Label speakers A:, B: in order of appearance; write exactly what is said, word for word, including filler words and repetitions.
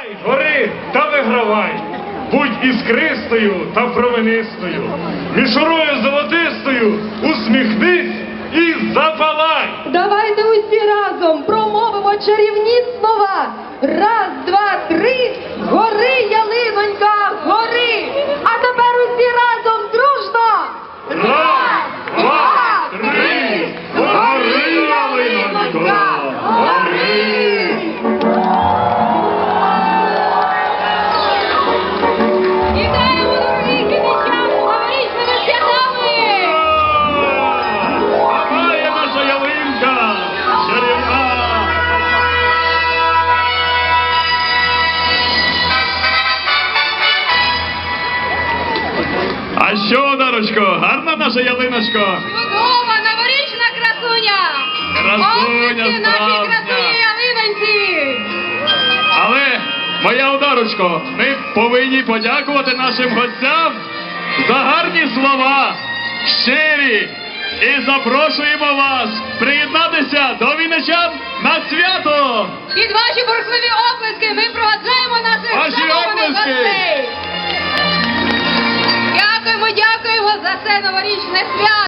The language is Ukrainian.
A: Гори та вигравай, будь іскристою та променистою, мішурою золотистою усміхнись і запалай.
B: Давайте усі разом промовимо чарівні слова. Раз, два, три, гори, ялинонька, гори. А тепер усі разом дружно.
A: Раз, два, три, гори, ялинонька, гори.
B: Вітаємо, дорогі київчани, з новорічними святами!
A: А має наша ялинка чарівна. А що, Дарочко, гарна наша ялиночко?
C: Чудова новорічна красуня!
A: Красуня
C: Обласки нашій
A: справжня.
C: красуні ялиноньці!
A: Але, моя Одарочко, ми повинні подякувати нашим гостям за гарні слова, щирі, і запрошуємо вас приєднатися до вінничан на свято!
C: Під ваші бурхливі оплески ми проваджаємо наших
A: Ваші
C: шанованих
A: оплески!
C: гостей! Дякуємо, дякуємо за це новорічне свято!